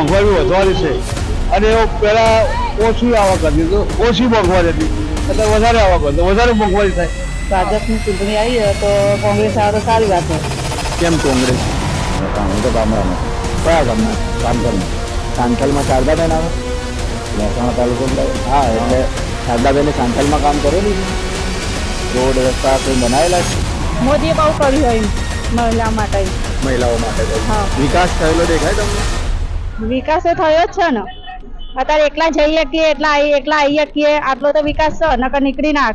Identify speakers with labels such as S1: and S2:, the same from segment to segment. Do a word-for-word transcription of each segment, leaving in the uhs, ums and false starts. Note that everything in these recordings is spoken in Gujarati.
S1: મોંઘવારી વધવાની છે અને એ પહેલાં ઓછી આવક હતી તો ઓછી મોંઘવારી હતી એટલે વધારે આવક હતી વધારે મોંઘવારી થાય.
S2: ભાજપની ચૂંટણી આવી હોય તો કોંગ્રેસ આવે તો સારી વાત છે.
S1: કેમ કોંગ્રેસ?
S3: હું તો ગામડામાં. કયા ગામમાં? કામકલમાં. સાંથલમાં શારદાબેન આવે મહેસાણા તાલુકો. હા, એટલે શારદાબેને સાંથલમાં કામ કરેલું છે. રોડ રસ્તા કંઈ બનાવેલા છે.
S2: મોદીએ બહુ કર્યું હોય મહિલા માટે.
S3: મહિલાઓ માટે
S2: હા.
S3: વિકાસ થયેલો દેખાય તમને?
S2: વિકાસ તો થયો જ છે ને. અત્યારે એકલા જઈ શકીએ એટલા એકલા આવી શકીએ આટલો તો વિકાસ છે નકર નીકળી ના.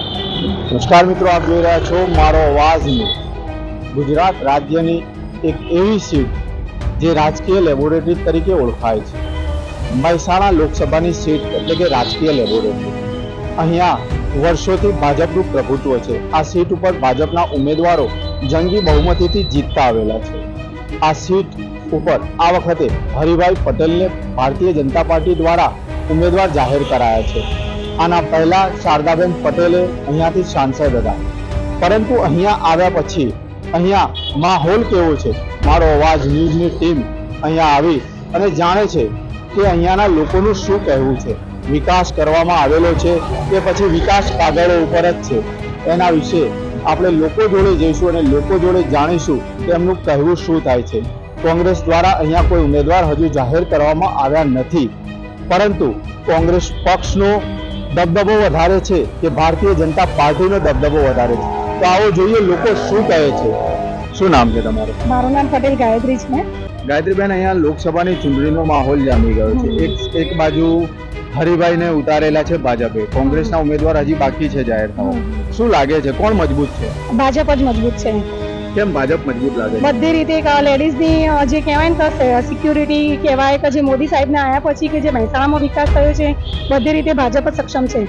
S3: નમસ્કાર મિત્રો, આપ જોઈ રહ્યા છો મારો અવાજ ન્યૂઝ. ગુજરાત રાજ્યની એક એવી સીટ જે રાજકીય લેબોરેટરી તરીકે ઓળખાય છે. મહેસાણા લોકસભાની સીટ એટલે કે રાજકીય લેબોરેટરી. અહીંયા વર્ષોથી ભાજપનું પ્રભુત્વ છે. આ સીટ ઉપર ભાજપના ઉમેદવારો જંગી બહુમતીથી જીતતા આવેલા છે. આ સીટ ઉપર આ વખતે હરિભાઈ પટેલને ભારતીય જનતા પાર્ટી દ્વારા ઉમેદવાર જાહેર કરાયા છે. આના પહેલા શારદાબેન પટેલે અહીંયાથી સાંસદ હતા, પરંતુ અહીંયા આવ્યા પછી અહીંયા માહોલ કેવો છે? મારો અવાજ ન્યૂઝની ટીમ અહીંયા આવી અને જાણે છે કે અહીંયાના લોકોનું શું કહેવું છે. વિકાસ કરવામાં આવેલો છે કે પછી વિકાસ કાગળો ઉપર જ છે? એના વિશે આપણે લોકો જોડે જઈશું અને લોકો જોડે જાણીશું કે એમનું કહેવું શું થાય છે. કોંગ્રેસ દ્વારા અહીંયા કોઈ ઉમેદવાર હજુ જાહેર કરવામાં આવ્યા નથી, પરંતુ કોંગ્રેસ પક્ષનો દબદબો વધારે છે કે ભારતીય જનતા પાર્ટીનો દબદબો વધારે છે? તો આવો જોઈએ લોકો શું કહે છે. શું નામ છે તમારું?
S2: મારું નામ પટેલ ગાયત્રી છે.
S3: ગાયત્રીબેન, અહીંયા લોકસભાની ચૂંટણીનો માહોલ જામી ગયો છે. એક એક બાજુ હરિભાઈને ઉતારેલા છે ભાજપે, કોંગ્રેસના ઉમેદવાર હજી બાકી છે જાહેર થવા. શું લાગે છે કોણ મજબૂત છે?
S2: ભાજપ જ મજબૂત છે.
S3: કેમ ભાજપ મજબૂત લાગે છે?
S2: બધી રીતે લેડીઝની જે કહેવાય ને તો સિક્યુરિટી કહેવાય કે જે મોદી સાહેબને આવ્યા પછી કે જે મહેસાણામાં વિકાસ થયો છે બધી રીતે ભાજપ જ સક્ષમ છે.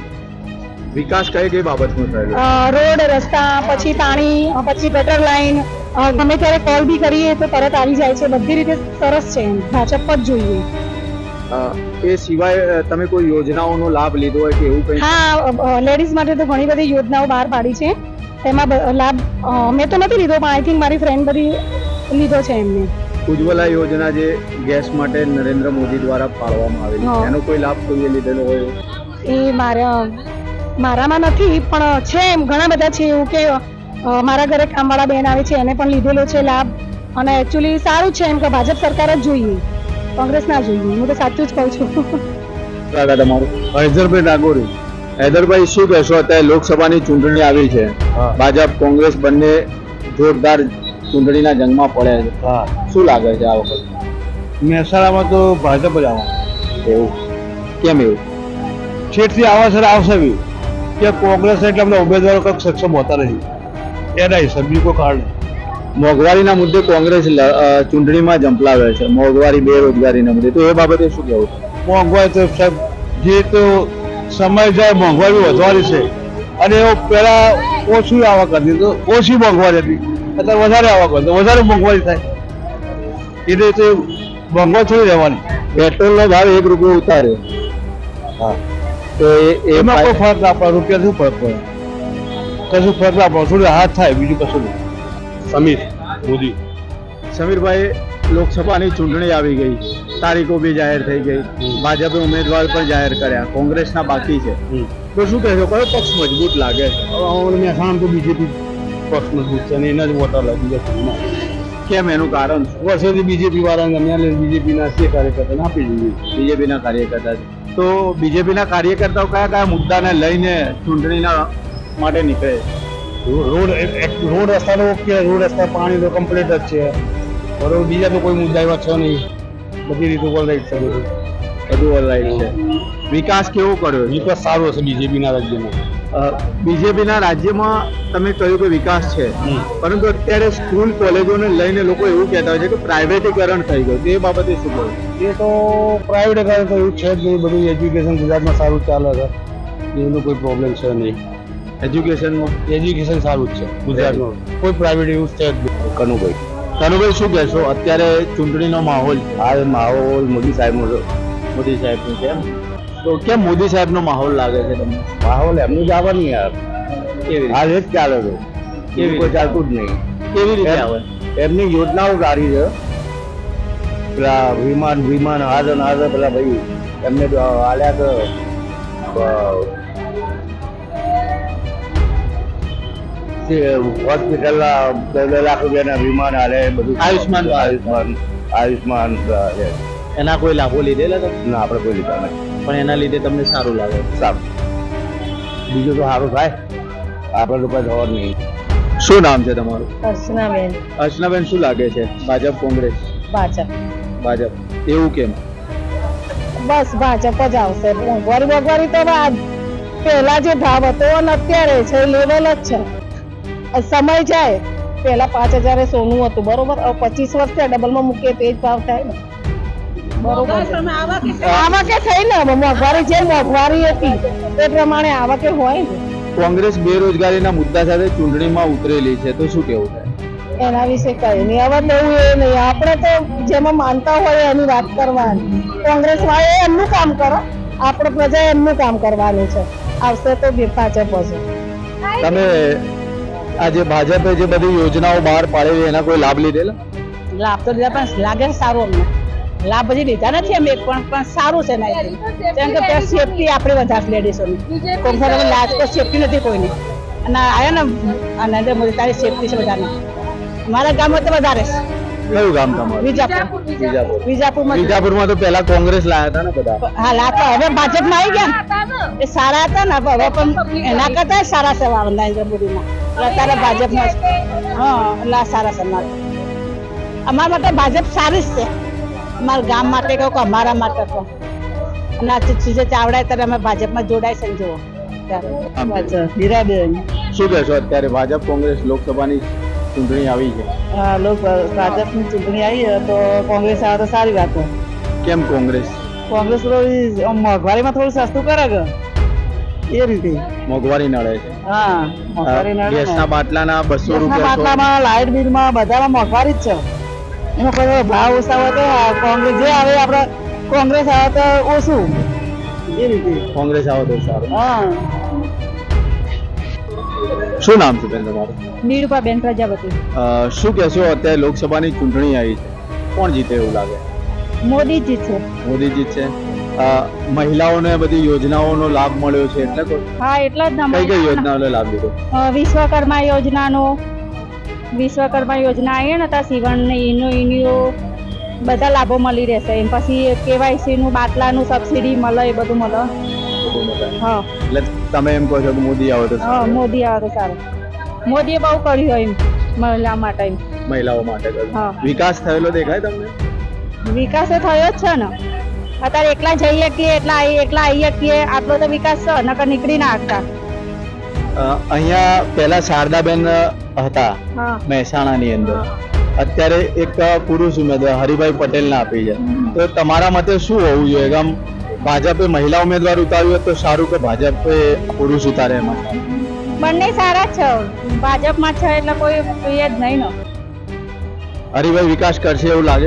S3: વિકાસ કઈ કઈ બાબતનો થયેલો?
S2: રોડ રસ્તા, પછી પાણી, પછી ગટર લાઈન, ગમે ત્યારે કોલ બી કરીએ તો તરત આવી જાય છે. બધી રીતે સરસ છે. ભાજપ જ જોઈએ.
S3: એ સિવાય તમે કોઈ યોજનાઓનો લાભ લીધો હોય કે એવું કંઈ?
S2: હા, લેડીઝ માટે તો ઘણી બધી યોજનાઓ બહાર પાડી છે. તેમાં લાભ મેં તો નથી લીધો, પણ આઈ થિંક મારી ફ્રેન્ડ બધી લીધો છે એમને.
S3: ઉજ્જવલા યોજના જે ગેસ માટે નરેન્દ્ર મોદી દ્વારા પાડવામાં આવેલી, એનો કોઈ લાભ કોઈએ લીધેલો હોય?
S2: એ મારા મારામાં નથી, પણ છે એમ ઘણા બધા છે. એવું કે મારા ઘરે કામવાળા બેન આવે છે એને પણ લીધેલો છે લાભ. અને એકચ્યુઅલી સારું છે એમ કે ભાજપ સરકાર જ જોઈએ, કોંગ્રેસ ના જોઈએ. હું તો સાચું જ કહું છું.
S3: તમારું? હૈદરભાઈ નાગોરી. હૈદરભાઈ, શું કહેશો? અત્યારે લોકસભાની ચૂંટણી આવી છે, ભાજપ કોંગ્રેસ બંને જોરદાર ચૂંટણીના જંગમાં પડ્યા છે.
S1: હા,
S3: શું લાગે છે આ વખતે?
S1: મહેસાણામાં તો ભાજપ જ આવે.
S3: એવું કેમ? એવું
S1: છેટથી આવે છે આવશે બી કે કોંગ્રેસ એટલે અમને ઉમેદવારો કંઈક સક્ષમ હોતા નથી એના હિસાબ બીજું કોઈ કારણ નહીં.
S3: મોંઘવારીના મુદ્દે કોંગ્રેસ ચૂંટણીમાં ઝંપલાવે છે, મોંઘવારી બેરોજગારીના મુદ્દે, તો એ બાબતે શું કહેવું?
S1: મોંઘવારી તો સાહેબ જે તો સમય જાય મોંઘવારી વધવાની છે અને એ પહેલાં ઓછી આવક હતી તો ઓછી મોંઘવારી હતી અત્યારે વધારે આવક હતી તો વધારે મોંઘવારી થાય. એ રીતે મોંઘવારી થોડી રહેવાની.
S3: પેટ્રોલનો ભાવ એક રૂપિયો ઉતાર્યો. હા, તો
S1: એમાં કોઈ ફરક ના પડે. રૂપિયા શું ફરક પડે? કશું ફરક ના પડે. થોડી હાથ થાય, બીજું કશું નહીં. સમીર મોદી.
S3: સમીરભાઈ, લોકસભાની ચૂંટણી આવી ગઈ, તારીખો બી જાહેર થઈ ગઈ, ભાજપે ઉમેદવાર પણ જાહેર કર્યા, કોંગ્રેસના બાકી છે, તો શું કહેશો કયો પક્ષ મજબૂત લાગે?
S1: મહેસાણા તો બીજેપી પક્ષ મજબૂત છે અને એના જ વોટર લાગી જશે.
S3: કેમ, એનું કારણ?
S1: વર્ષોથી બીજેપી વાળાને અમે બીજેપીના જે કાર્યકર્તાને આપી દીધી.
S3: બીજેપીના કાર્યકર્તા છે, તો બીજેપીના કાર્યકર્તાઓ કયા કયા મુદ્દાને લઈને ચૂંટણીના માટે નીકળે?
S1: રોડ રોડ રસ્તાનો ઓકે, રોડ રસ્તા પાણી તો કમ્પ્લીટ જ છે. બરોબર, બીજા તો કોઈ મુદ્દા એવા છે નહીં. બધી રીતે ઓલરાઈટ છે. બધું
S3: બધું ઓલરાઈટ છે. વિકાસ કેવો કર્યો?
S1: વિકાસ સારો છે બીજેપીના રાજ્યમાં.
S3: બીજેપીના રાજ્યમાં તમે કહ્યું કે વિકાસ છે, પરંતુ અત્યારે સ્કૂલ કોલેજોને લઈને લોકો એવું કહેતા હોય છે કે પ્રાઇવેટીકરણ થઈ ગયું, તે બાબતે શું કહ્યું?
S1: એ તો પ્રાઇવેટીકરણ તો એવું છે જ નહીં. બધું એજ્યુકેશન ગુજરાતમાં સારું ચાલે છે, એનો કોઈ પ્રોબ્લેમ છે નહીં.
S3: એજ્યુકેશનમાં
S1: એજ્યુકેશન સારું જ છે ગુજરાતમાં, કોઈ પ્રાઇવેટ એવું છે જ નહીં.
S3: કનુભાઈ, કનુભાઈ શું કહેશો? અત્યારે ચૂંટણીનો માહોલ,
S1: આ માહોલ મોદી સાહેબનો
S3: મોદી સાહેબનો કેમ? તો કેમ મોદી સાહેબનો માહોલ લાગે છે તમને?
S1: માહોલ એમનું જ આવે ને યાર.
S3: કેવી
S1: આ જ ચાલે છે,
S3: કેવી
S1: કોઈ ચાલતું જ નહીં.
S3: કેવી રીતે આવે?
S1: એમની યોજનાઓ સારી છે. પેલા વિમાન વિમાન હાજર ને હાજર પેલા ભાઈ એમને તો હાલ્યા તો હોસ્પિટલ બે બે લાખ રૂપિયાના વિમાન હાલે બધું
S3: આયુષ્માન
S1: આયુષ્માન આયુષ્માન છે.
S3: એના કોઈ લાભો લીધેલા તમે?
S1: ના આપણે કોઈ લીધા નહીં.
S3: પણ એના લીધે તમને સારું લાગે?
S1: સારું, બીજું તો સારું થાય, આપણે તો કોઈ ખબર નહીં.
S3: શું નામ છે તમારું?
S2: અર્ચનાબેન.
S3: અર્ચનાબેન, શું લાગે છે ભાજપ કોંગ્રેસ?
S2: ભાજપ.
S3: ભાજપ. એવું કેમ?
S2: બસ ભાજપ જ આવશે. મોંઘવારી મોંઘવારી તો આજ પહેલા જે ભાવ હતો અને અત્યારે છે લેવલ જ છે. સમય જાય પહેલા પાંચ હજારે સોનું હતું બરોબર, હવે પચીસ વર્ષ થયા ડબલમાં મૂકીએ તો એ જ ભાવ થાય ને બરોબર. આવકે થઈ ને મોંઘવારી જે મોંઘવારી હતી તે પ્રમાણે આવકે હોય ને.
S3: કોંગ્રેસ બેરોજગારીના મુદ્દા સાથે ચૂંટણીમાં ઉતરેલી છે, તો શું કેવું થાય?
S2: એના વિશે કઈ નહીં, હવે નવું એ નહીં. આપણે તો જેમાં માનતા હોય એની વાત કરવાની. કોંગ્રેસ વાળા એમનું કામ કરો, આપણે પ્રજા એમનું કામ કરવાનું છે. આવશે તો ભાજપ હશે.
S3: તમે આજે ભાજપે જે બધી યોજનાઓ બહાર પાડેલી એના કોઈ લાભ લીધેલા?
S2: લાભ તો લીધા પણ લાગે છે સારું અમને. લાભ હજી લીધા નથી અમે પણ પણ સારું છે નહીં કેમ કે ત્યાં સેફટી આપણે વધારે લેડીસોની. કોંગ્રેસ લાજ તો સેફટી નથી કોઈની. અને આયા ને નરેન્દ્ર મોદી તારી સેફટી છે વધારે. મારા ગામમાં તો વધારે છે.
S3: કયું ગામ તમારું?
S2: વિજાપુર.
S3: વિજાપુર.
S2: વિજાપુરમાં
S3: વિજાપુરમાં તો પહેલા કોંગ્રેસ લાયા હતા ને બધા.
S2: હા લાતા હવે ભાજપમાં આવી ગયા ને. એ સારા હતા ને હવે પણ એના કરતા સારા છે નરેન્દ્ર મોદીના. અત્યારે ભાજપમાં હા એટલે આ સારા છે અમારે. અમારા માટે ભાજપ સારી જ છે. અમારા ગામ માટે કહું કે અમારા માટે કહું. અને આ ચીજે ચાવડાય ત્યારે અમે ભાજપમાં જોડાય છે ને જુઓ ત્યારે. હીરાબેન.
S3: શું કહેશો અત્યારે ભાજપ કોંગ્રેસ લોકસભાની ચૂંટણી આવી છે?
S2: હા લોક ભાજપની ચૂંટણી આવી તો કોંગ્રેસ આવે તો સારી વાત છે.
S3: કેમ કોંગ્રેસ?
S2: કોંગ્રેસ મોંઘવારીમાં થોડું સસ્તું કરે કે એ રીતે.
S3: મોંઘવારી નડે છે.
S2: હા મોંઘવારી નડે ને.
S3: ગેસના બાટલાના બસો
S2: ગેસના
S3: રૂપિયા
S2: બાટલામાં લાઇટ બિલમાં બધામાં મોંઘવારી જ છે. એમાં કોઈ ભાવ ઓછા હોય તો કોંગ્રેસ જે આવે આપણે કોંગ્રેસ આવે તો ઓછું એ રીતે.
S3: કોંગ્રેસ આવે તો સારું.
S2: હા.
S3: શું નામ છે બેન તમારું?
S2: નીરુપાબેન પ્રજાપતિ.
S3: અ, શું કહેશો અત્યારે લોકસભાની ચૂંટણી આવી છે, કોણ જીતે એવું લાગે?
S2: મોદીજી છે.
S3: મોદી જીતશે. અ, મહિલાઓને બધી યોજનાઓનો લાભ મળ્યો છે એટલે કોઈ?
S2: હા એટલા જ
S3: કઈ કઈ યોજનાઓનો લાભ લીધો?
S2: વિશ્વકર્મા યોજનાનો વિશ્વકર્મા યોજના આવી ને ત્યાં સીવણ ને એનો એનો બધા લાભો મળી રહેશે. એમ પછી કેવાયસી નું બાટલાનું સબસિડી મળે એ બધું મળે. હા
S3: એટલે તમે એમ કહો છો કે મોદી આવે તો
S2: હા
S3: સારું?
S2: મોદી આવે તો સારું. મોદીએ બહુ કર્યું હોય એમ મહિલા માટે એમ.
S3: મહિલાઓ માટે કર્યું.
S2: હા.
S3: વિકાસ થયેલો દેખાય તમને?
S2: વિકાસ તો થયો જ છે ને. અત્યારે એકલા જઈએ કે એટલા આવીએ એકલા આવીએ કે આટલો તો વિકાસ છે નકર નીકળી ના શકતા.
S3: અ, અહીંયા પહેલા શારદાબેન હતા
S2: હા
S3: મહેસાણાની અંદર, અત્યારે એક પુરુષ ઉમેદવાર હરિભાઈ પટેલને આપી છે. તો તમારા મતે શું હોવું જોઈએ કે આમ ભાજપે મહિલા ઉમેદવાર ઉતાર્યું હોય તો સારું કે ભાજપે પુરુષ ઉતારે એમાં?
S2: બંને સારા જ છે. ભાજપમાં છે એટલે કોઈ એ જ નહીં ને.
S3: હરિભાઈ વિકાસ કરશે એવું લાગે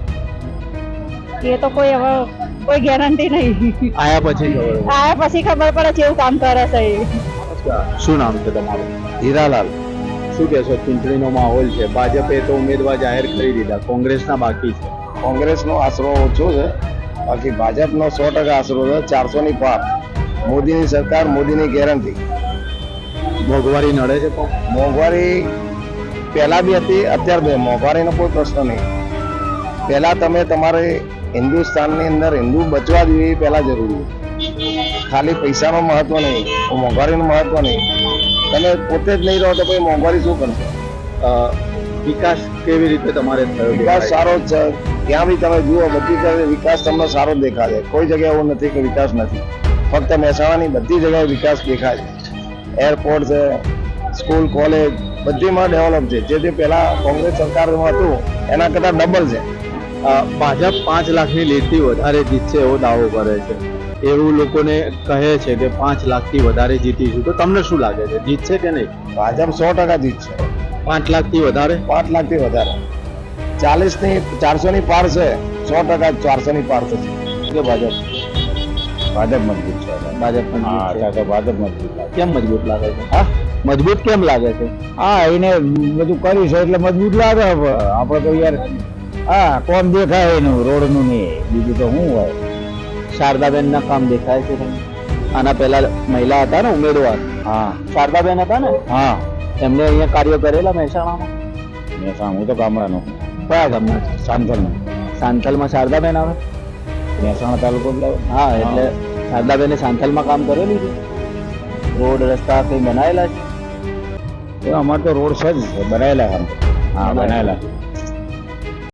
S3: છે?
S2: એ તો કોઈ હવે કોઈ ગેરંટી નહીં.
S3: આયા પછી ખબર પડે.
S2: આયા પછી ખબર પડે કેવું કામ કરે છે એ.
S3: શું નામ છે તમારું?
S1: હીરાલાલ.
S3: શું કહેશો ચૂંટણીનો માહોલ છે? ભાજપે તો ઉમેદવાર જાહેર કરી દીધા, કોંગ્રેસના બાકી છે.
S1: કોંગ્રેસનો આશરો ઓછો છે, બાકી ભાજપનો સો ટકા આશરો છે. ચારસો ની પાર. મોદીની સરકાર, મોદીની ગેરંટી.
S3: મોંઘવારી નડે છે પણ
S1: મોંઘવારી પહેલા બી હતી, અત્યારે બી. મોંઘવારીનો કોઈ પ્રશ્ન નહીં. પહેલા તમે તમારે હિન્દુસ્તાનની અંદર હિન્દુ બચવા જોઈએ એ પહેલા જરૂરી છે. ખાલી પૈસાનો મહત્વ નહીં, મોંઘવારીનું મહત્વ નહીં. તમે પોતે જ નહીં રહો તો પછી મોંઘવારી શું કરશે?
S3: અ, વિકાસ કેવી રીતે તમારે થયો?
S1: વિકાસ સારો જ છે. ત્યાં બી તમે જુઓ બધી જગ્યાએ વિકાસ તમને સારો જ દેખાશે. કોઈ જગ્યાએ એવું નથી કે વિકાસ નથી. ફક્ત મહેસાણાની બધી જગ્યાએ વિકાસ દેખાય છે. એરપોર્ટ છે, સ્કૂલ, કોલેજ બધીમાં ડેવલપ છે. જે જે પહેલા કોંગ્રેસ સરકારમાં હતું એના કરતાં ડબલ છે.
S3: અ, ભાજપ પાંચ લાખની લીડથી વધારે જીતશે એવો દાવો કરે છે. એવું લોકોને કહે છે કે પાંચ લાખથી વધારે જીતીશું. તો તમને શું લાગે છે, જીતશે કે નહીં?
S1: ભાજપ સો ટકા જીતશે.
S3: પાંચ લાખથી વધારે?
S1: પાંચ લાખથી વધારે. ચાલીસ ની ચારસો ની પાર છે. સો ટકા ચારસો ની પાર થશે. કે ભાજપ ભાજપ મજબૂત છે.
S3: ભાજપ પણ
S1: હા,
S3: જીતશે.
S1: તો ભાજપ મજબૂત લાગે.
S3: કેમ મજબૂત લાગે છે?
S1: હા,
S3: મજબૂત કેમ લાગે છે?
S1: હા, એને બધું કર્યું છે એટલે મજબૂત લાગે. હવે આપણે તો યાર
S3: હા કોમ દેખાય એનું રોડનું નહીં બીજું તો શું હોય શારદાબેન ના કામ દેખાય છે તમને આના પહેલા મહિલા હતા ને ઉમેદવાર હા શારદાબેન હતા ને હા એમને અહીંયા કાર્ય કરેલા મહેસાણામાં મહેસાણા હું તો ગામડાનો કયા ગામના સાંથલમાં સાંથલમાં શારદાબેન આવે મહેસાણા તાલુકો હા એટલે શારદાબેને સાંથલમાં કામ કરેલું છે રોડ રસ્તા કંઈ બનાવેલા છે અમારે તો રોડ છે જ બનાવેલા કામ હા બનાવેલા